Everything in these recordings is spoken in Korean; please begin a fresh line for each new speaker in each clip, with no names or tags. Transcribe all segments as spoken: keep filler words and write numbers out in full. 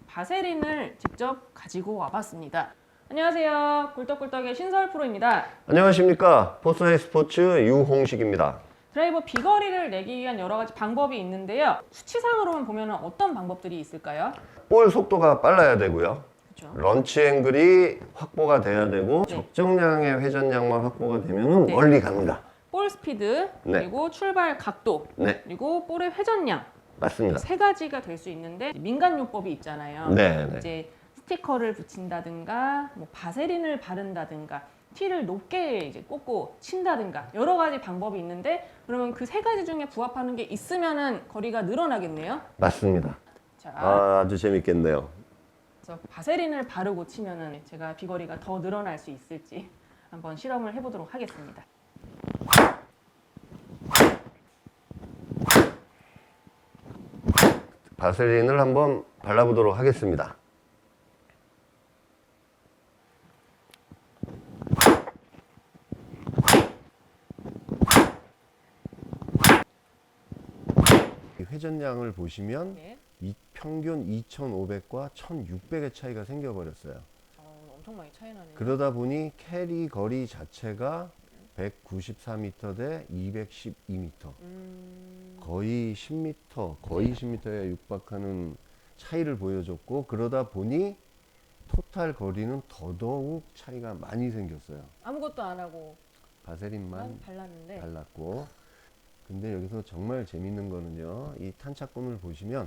바세린을 직접 가지고 와봤습니다. 안녕하세요. 꿀떡꿀떡의 신설 프로입니다.
안녕하십니까. 포스하이 스포츠 유홍식입니다.
드라이버 비거리를 내기 위한 여러 가지 방법이 있는데요. 수치상으로만 보면 어떤 방법들이 있을까요?
볼 속도가 빨라야 되고요.
그렇죠.
런치 앵글이 확보가 돼야 되고
네.
적정량의 회전량만 확보가 되면
네.
멀리 갑니다.
볼 스피드,
네.
그리고 출발 각도,
네.
그리고 볼의 회전량
맞습니다.
세 가지가 될 수 있는데 민간요법이 있잖아요.
네, 네.
이제 스티커를 붙인다든가, 뭐 바세린을 바른다든가, 티를 높게 이제 꽂고 친다든가 여러 가지 방법이 있는데 그러면 그 세 가지 중에 부합하는 게 있으면은 거리가 늘어나겠네요.
맞습니다.
자,
아, 아주 재밌겠네요.
그래서 바세린을 바르고 치면은 제가 비거리가 더 늘어날 수 있을지 한번 실험을 해보도록 하겠습니다.
바세린을 한번 발라보도록 하겠습니다. 회전량을 보시면
네.
이 평균 이천오백과 천육백의 차이가 생겨버렸어요.
어, 엄청 많이 차이 나네요.
그러다 보니 캐리 거리 자체가 백구십사 미터 대 이백십이 미터,
음...
거의 십 미터, 거의 십 미터에 육박하는 차이를 보여줬고, 그러다 보니 토탈 거리는 더더욱 차이가 많이 생겼어요.
아무것도 안 하고
바세린만
발랐는데
발랐고. 근데 여기서 정말 재밌는 거는요, 이 탄착권을 보시면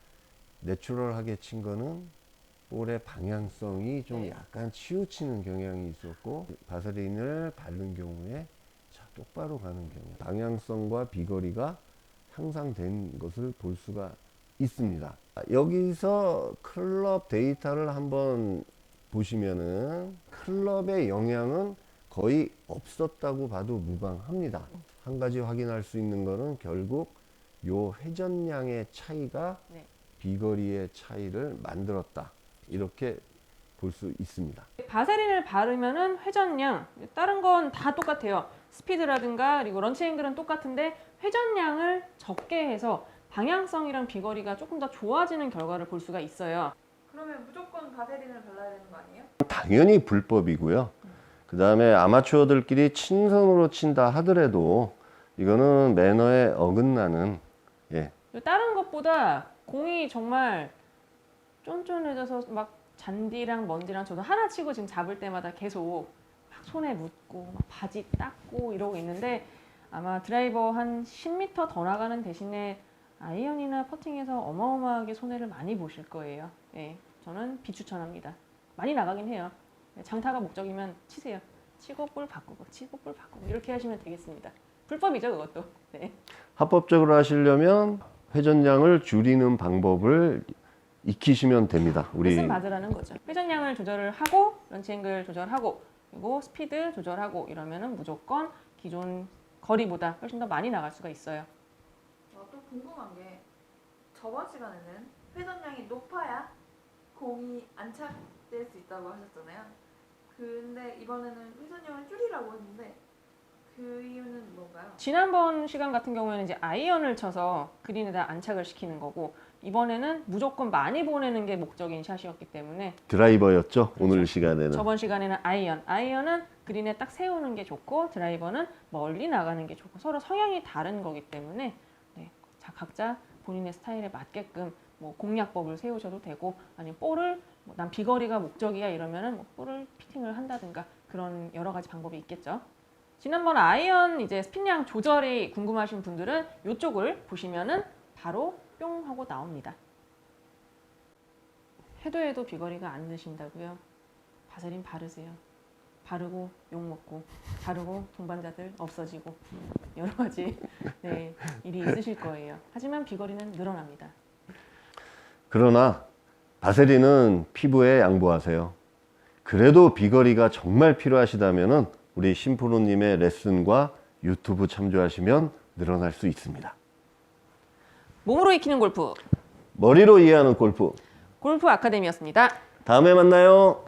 내추럴하게 친 거는 볼의 방향성이 좀
네.
약간 치우치는 경향이 있었고, 바세린을 바른 경우에 자, 똑바로 가는 경우, 방향성과 비거리가 향상된 것을 볼 수가 있습니다. 여기서 클럽 데이터를 한번 보시면은 클럽의 영향은 거의 없었다고 봐도 무방합니다. 한 가지 확인할 수 있는 거는 결국 요 회전량의 차이가
네. 비거리의
차이를 만들었다, 이렇게 볼 수 있습니다.
바세린을 바르면은 회전량, 다른 건 다 똑같아요. 스피드라든가 그리고 런치 앵글은 똑같은데 회전량을 적게 해서 방향성이랑 비거리가 조금 더 좋아지는 결과를 볼 수가 있어요.
그러면 무조건 바세린을 발라야 되는 거 아니에요?
당연히 불법이고요. 그 다음에 아마추어들끼리 친선으로 친다 하더라도 이거는 매너에 어긋나는, 예.
다른 것보다 공이 정말 쫀쫀해져서 막 잔디랑 먼지랑 저도 하나 치고 지금 잡을 때마다 계속 막 손에 묻고 막 바지 닦고 이러고 있는데 아마 드라이버 한 십 미터 더 나가는 대신에 아이언이나 퍼팅에서 어마어마하게 손해를 많이 보실 거예요. 예, 저는 비추천합니다. 많이 나가긴 해요. 장타가 목적이면 치세요. 치고 볼 바꾸고 치고 볼 바꾸고 이렇게 하시면 되겠습니다. 불법이죠, 그것도. 네.
합법적으로 하시려면 회전량을 줄이는 방법을 익히시면 됩니다. 우리
레슨 받으라는 거죠. 회전량을 조절을 하고 런치 앵글 조절하고 그리고 스피드 조절하고 이러면은 무조건 기존 거리보다 훨씬 더 많이 나갈 수가 있어요.
어, 또 궁금한 게 저번 시간에는 회전량이 높아야 공이 안착될 수 있다고 하셨잖아요. 근데 이번에는 회전량을 줄이라고 했는데 그 이유는 뭔가요?
지난번 시간 같은 경우에는 이제 아이언을 쳐서 그린에다 안착을 시키는 거고 이번에는 무조건 많이 보내는 게 목적인 샷이었기 때문에
드라이버였죠. 오늘 시간에는.
저번 시간에는 아이언, 아이언은 그린에 딱 세우는 게 좋고 드라이버는 멀리 나가는 게 좋고 서로 성향이 다른 거기 때문에 네, 자, 각자 본인의 스타일에 맞게끔 뭐 공략법을 세우셔도 되고 아니면 볼을 뭐 난 비거리가 목적이야 이러면은 뭐 볼을 피팅을 한다든가 그런 여러 가지 방법이 있겠죠. 지난번 아이언 이제 스핀량 조절이 궁금하신 분들은 이쪽을 보시면은 바로 뿅 하고 나옵니다. 해도 해도 비거리가 안 드신다고요? 바세린 바르세요. 바르고 욕먹고 바르고 동반자들 없어지고 여러 가지 네, 일이 있으실 거예요. 하지만 비거리는 늘어납니다.
그러나 바세린은 피부에 양보하세요. 그래도 비거리가 정말 필요하시다면은 우리 신프로님의 레슨과 유튜브 참조하시면 늘어날 수 있습니다.
몸으로 익히는 골프
머리로 이해하는 골프.
골프 아카데미였습니다.
다음에 만나요.